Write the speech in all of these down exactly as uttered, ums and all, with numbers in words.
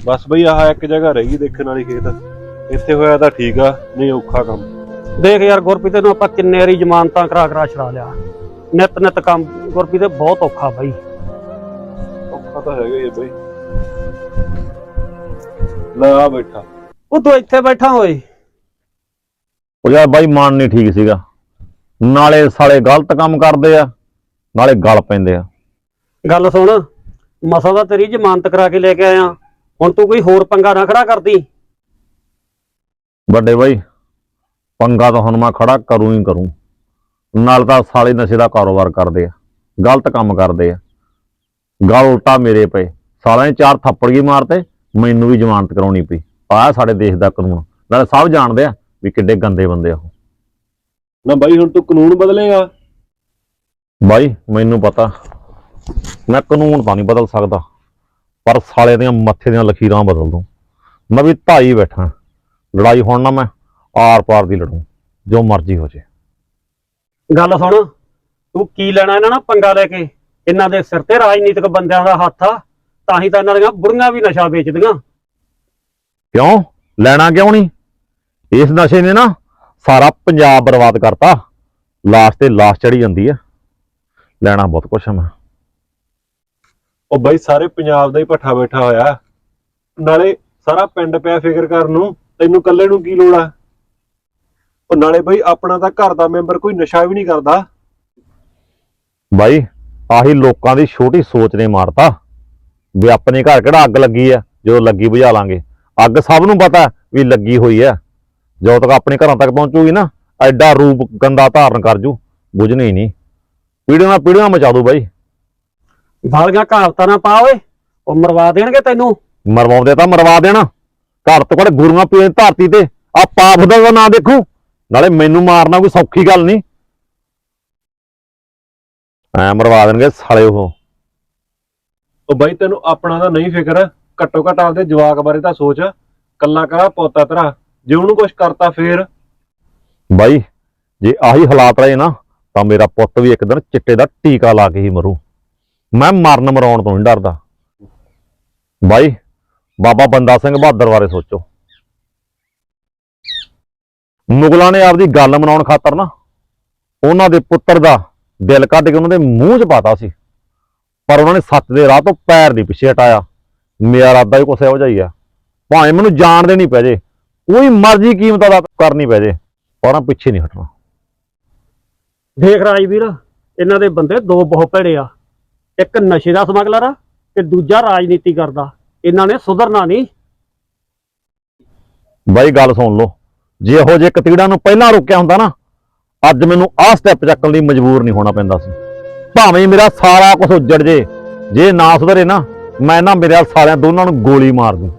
बस बई आह एक जगह रहेगी देखने वाली खेत, इत्थे होया तां ठीक आ, नहीं औखा काम। देख यार गुरप्रीत नूं आपां किन्ने वारी जमानतां करा करा छड़ा लिया, नित नित काम गुरप्रीत बहुत औखा बई। औखा तां हैगा ही बई। ले आ बैठा। ਉਹ ਤੂੰ ਇੱਥੇ ਬੈਠਾ ਹੋਏ। ਉਹ ਯਾਰ ਬਾਈ ਮਨ ਨਹੀਂ ਠੀਕ ਸੀਗਾ, ਨਾਲੇ ਸਾਲੇ ਗਲਤ ਕੰਮ ਕਰਦੇ ਆ ਨਾਲੇ ਗਲ ਪੈਂਦੇ ਆ। ਗੱਲ ਸੁਣ, ਮਸਾ ਦਾ ਤੇਰੀ ਜ਼ਮਾਨਤ ਕਰਾ ਕੇ ਲੈ ਕੇ ਆਇਆ, ਹੁਣ ਤੂੰ ਕੋਈ ਹੋਰ ਪੰਗਾ ਨਾ ਖੜਾ ਕਰਦੀ। ਵੱਡੇ ਬਾਈ ਪੰਗਾ ਤਾਂ ਹੁਣ ਮੈਂ ਖੜਾ ਕਰੂੰ ਹੀ ਕਰੂੰ, ਨਾਲ ਤਾਂ ਸਾਲੇ ਨਸ਼ੇ ਦਾ ਕਾਰੋਬਾਰ ਕਰਦੇ ਆ, ਗਲਤ ਕੰਮ ਕਰਦੇ ਆ, ਗਲ ਉਲਟਾ ਮੇਰੇ ਪਏ। ਸਾਲਿਆਂ ਨੇ ਚਾਰ ਥੱਪੜ ਹੀ ਮਾਰਤੇ, ਮੈਨੂੰ ਵੀ ਜ਼ਮਾਨਤ ਕਰਾਉਣੀ ਪਈ। ਆਹ ਸਾਡੇ ਦੇਸ਼ ਦਾ ਕਾਨੂੰਨ, ਨਾਲੇ ਸਭ ਜਾਣਦੇ ਆ ਵੀ ਕਿੱਡੇ ਗੰਦੇ ਬੰਦੇ ਆ ਉਹ। ना बई हुण तू कानून बदलेगा? ਬਾਈ ਮੈਨੂੰ ਪਤਾ ਮੈਂ ਕਾਨੂੰਨ ਤਾਂ ਨਹੀਂ ਬਦਲ ਸਕਦਾ, ਪਰ ਸਾਲੇ ਦੀਆਂ ਮੱਥੇ ਦੀਆਂ ਲਕੀਰਾਂ ਬਦਲ ਦੂੰ। ਮੈਂ ਵੀ ਢਾਈ ਬੈਠਾ, ਲੜਾਈ ਹੁਣ ਨਾ ਮੈਂ ਆਰ ਪਾਰ ਦੀ ਲੜੂੰ, ਜੋ ਮਰਜ਼ੀ ਹੋ ਜੇ। ਗੱਲ ਸੁਣ, ਤੂੰ ਕੀ ਲੈਣਾ ਇਹਨਾਂ ਨਾਲ ਪੰਗਾ ਲੈ ਕੇ? ਇਹਨਾਂ ਦੇ ਸਿਰ ਤੇ ਰਾਜਨੀਤਿਕ ਬੰਦਿਆਂ ਦਾ ਹੱਥ ਆ, ਤਾਂ ਹੀ ਤਾਂ ਇਹਨਾਂ ਦੀਆਂ ਬੁੜੀਆਂ ਵੀ ਨਸ਼ਾ ਵੇਚਦੀਆਂ। ਕਿਉਂ ਲੈਣਾ ਕਿਉਂ ਨਹੀਂ? ਇਸ ਨਸ਼ੇ ਨੇ ਨਾ ਸਾਰਾ ਪੰਜਾਬ ਬਰਬਾਦ ਕਰਤਾ, ਲਾਸ਼ ਤੇ ਲਾਸ਼ ਚੜੀ ਜਾਂਦੀ ਆ। ਲੈਣਾ ਬਹੁਤ ਕੁਛ ਆ ਮੈਂ। ਉਹ ਬਈ ਸਾਰੇ ਪੰਜਾਬ ਦਾ ਹੀ ਭੱਠਾ ਬੈਠਾ ਹੋਇਆ, ਨਾਲੇ ਸਾਰਾ ਪਿੰਡ ਪਿਆ ਫਿਕਰ ਕਰਨ ਨੂੰ, ਤੈਨੂੰ ਇਕੱਲੇ ਨੂੰ ਕੀ ਲੋੜ ਆ? ਉਹ ਨਾਲੇ ਬਈ ਆਪਣਾ ਤਾਂ ਘਰ ਦਾ ਮੈਂਬਰ ਕੋਈ ਨਸ਼ਾ ਵੀ ਨਹੀਂ ਕਰਦਾ। ਬਾਈ ਆਹੀ ਲੋਕਾਂ ਦੀ ਛੋਟੀ ਸੋਚ ਨੇ ਮਾਰਤਾ ਵੀ ਆਪਣੇ ਘਰ ਕਿਹੜਾ ਅੱਗ ਲੱਗੀ ਆ, ਜਦੋਂ ਲੱਗੀ ਬੁਝਾ ਲਾਂਗੇ। ਅੱਗ ਸਭ ਨੂੰ ਪਤਾ ਵੀ ਲੱਗੀ ਹੋਈ ਆ, ਜਦੋਂ ਤੱਕ ਆਪਣੇ ਘਰਾਂ ਤੱਕ ਪਹੁੰਚੂਗੀ ਨਾ ਐਡਾ ਰੂਪ ਗੰਦਾ ਧਾਰਨ ਕਰ ਜੂ, ਬੁਝਣੀ ਨਹੀਂ, ਪੀੜੀਆਂ ਨਾਲ ਪੀੜੀਆਂ ਮਚਾ ਦੂ। ਬਾਈ ਵਾਲੀਆਂ ਕਹਾਵਤਾਂ ਨਾ ਪਾ ਓਏ, ਉਹ ਮਰਵਾ ਦੇਣਗੇ ਤੈਨੂੰ। ਮਰਵਾਉਂਦੇ ਤਾਂ ਮਰਵਾ ਦੇਣਾ, ਘਰ ਤੋਂ ਘੜ ਗੁਰੂਆਂ ਪੀਣ ਧਰਤੀ ਤੇ ਆ ਪਾਪ ਦਾ ਨਾਂ ਦੇਖੂ, ਨਾਲੇ ਮੈਨੂੰ ਮਾਰਨਾ ਕੋਈ ਸੌਖੀ ਗੱਲ ਨਹੀਂ। ਐ ਮਰਵਾ ਦੇਣਗੇ ਸਾਲੇ ਉਹ। ਉਹ ਬਈ ਤੈਨੂੰ ਆਪਣਾ ਤਾਂ ਨਹੀਂ ਫਿਕਰ, ਘੱਟੋ ਘੱਟ ਆਪਦੇ ਜਵਾਕ ਬਾਰੇ ਤਾਂ ਸੋਚ। ਕੱਲਾ ਕਰਾ ਪੋਤਾ ਤੇਰਾ, ਜੇ ਉਹਨੂੰ ਕੁਛ ਕਰਤਾ ਫੇਰ? ਬਾਈ ਜੇ ਆਹੀ ਹਾਲਾਤ ਰਹੇ ਨਾ ਤਾਂ ਮੇਰਾ ਪੁੱਤ ਵੀ ਇੱਕ ਦਿਨ ਚਿੱਟੇ ਦਾ ਟੀਕਾ ਲਾ ਕੇ ਹੀ ਮਰੂ। ਮੈਂ ਮਰਨ ਮਰਾਉਣ ਤੋਂ ਨਹੀਂ ਡਰਦਾ। ਬਾਈ ਬਾਬਾ ਬੰਦਾ ਸਿੰਘ ਬਹਾਦਰ ਬਾਰੇ ਸੋਚੋ, ਮੁਗਲਾਂ ਨੇ ਆਪਦੀ ਗੱਲ ਮਨਾਉਣ ਖਾਤਰ ਨਾ ਉਹਨਾਂ ਦੇ ਪੁੱਤਰ ਦਾ ਦਿਲ ਕੱਢ ਕੇ ਉਹਨਾਂ ਦੇ ਮੂੰਹ 'ਚ ਪਾਤਾ ਸੀ, ਪਰ ਉਹਨਾਂ ਨੇ ਸੱਚ ਦੇ ਰਾਹ ਤੋਂ ਪੈਰ ਨਹੀਂ ਪਿੱਛੇ ਹਟਾਇਆ। ਮੇਰਾ ਇਰਾਦਾ ਵੀ ਕੁਛ ਇਹੋ ਜਿਹਾ ਹੀ ਆ, ਭਾਵੇਂ ਮੈਨੂੰ ਜਾਣ ਦੇਣੀ ਪੈ ਜੇ, ਕੋਈ ਮਰਜ਼ੀ ਕੀਮਤ ਅਦਾ ਕਰਨੀ ਪੈ ਜੇ, ਪਰ ਪਿੱਛੇ ਨਹੀਂ ਹਟਣਾ। ਦੇਖ ਰਾਜਵੀਰ, ਇਹਨਾਂ ਦੇ ਬੰਦੇ ਦੋ ਬਹੁਤ ਭੈੜੇ ਆ, ਇੱਕ ਨਸ਼ੇ ਦਾ ਸਮਗਲਰ ਆ ਤੇ ਦੂਜਾ ਰਾਜਨੀਤੀ ਕਰਦਾ। ਇਹਨਾਂ ਨੇ ਸੁਧਰਨਾ ਨਹੀਂ। ਬਾਈ ਗੱਲ ਸੁਣ ਲਓ, ਜੇ ਇਹੋ ਜਿਹੇ ਕਤੀੜਾਂ ਨੂੰ ਪਹਿਲਾਂ ਰੋਕਿਆ ਹੁੰਦਾ ਨਾ, ਅੱਜ ਮੈਨੂੰ ਆਹ ਸਟੈਪ ਚੱਕਣ ਲਈ ਮਜਬੂਰ ਨਹੀਂ ਹੋਣਾ ਪੈਂਦਾ ਸੀ। ਭਾਵੇਂ ਮੇਰਾ ਸਾਰਾ ਕੁਝ ਉੱਜੜ ਜੇ, ਜੇ ਨਾ ਸੁਧਰੇ ਨਾ ਮੈਂ ਨਾ ਮੇਰੇ ਸਾਰਿਆਂ ਦੋਨਾਂ ਨੂੰ ਗੋਲੀ ਮਾਰ ਦੂੰ।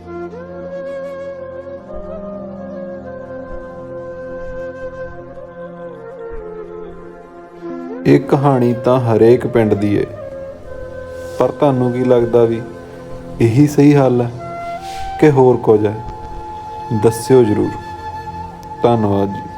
ਇਹ ਕਹਾਣੀ ਤਾਂ ਹਰੇਕ ਪਿੰਡ ਦੀ ਹੈ, ਪਰ ਤੁਹਾਨੂੰ ਕੀ ਲੱਗਦਾ ਵੀ ਇਹੀ ਸਹੀ ਹੱਲ ਹੈ ਕਿ ਹੋਰ ਕੁਝ ਹੈ? ਦੱਸਿਓ ਜ਼ਰੂਰ। ਧੰਨਵਾਦ ਜੀ।